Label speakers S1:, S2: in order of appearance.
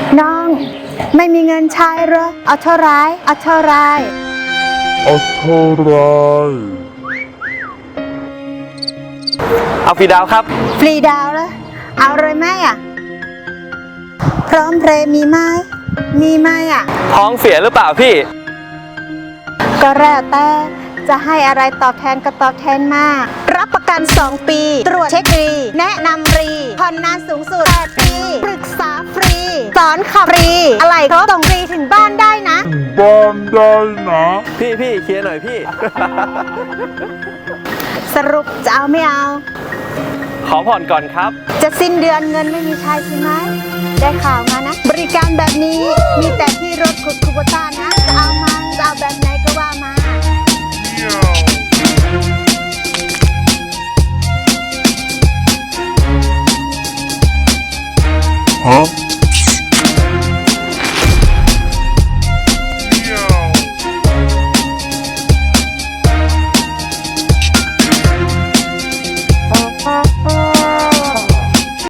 S1: น้องไม่มีเงินใช้เหรอเอาเท่าไรเอาเท่าไร
S2: เอาเท่าไร
S3: เอาฟรีดาวครับ
S1: ฟรีดาวแล้วเอาเลยไหมอ่ะพร้อมเพรย์มีไหมมีไหมอ่ะ
S3: ท้องเสียหรือเปล่าพี่
S1: ก็แล้วแต่จะให้อะไรตอบแทนก็ตอบแทนมากรับประกัน2 ปีตรวจเช็คฟรีแนะนำฟรีผ่อนนานสูงสุด8 ปีปรึกษาฟรีสอนขับฟรีอะไรครบส่งฟรีถึงบ้านได้นะ
S2: บ้านได้นะ
S3: พี่เคลียร์หน่อยพี่
S1: สรุปจะเอาไม่เอา
S3: ขอผ่อนก่อนครับ
S1: จะสิ้นเดือนเงินไม่มีใช้ใช่ไหมได้ข่าวมานะบริการแบบนี้มีแต่ที่รถขุดคูโบต้านะจะเอามาจะเอาแบบไหนก็ว่ามา
S2: ฮะ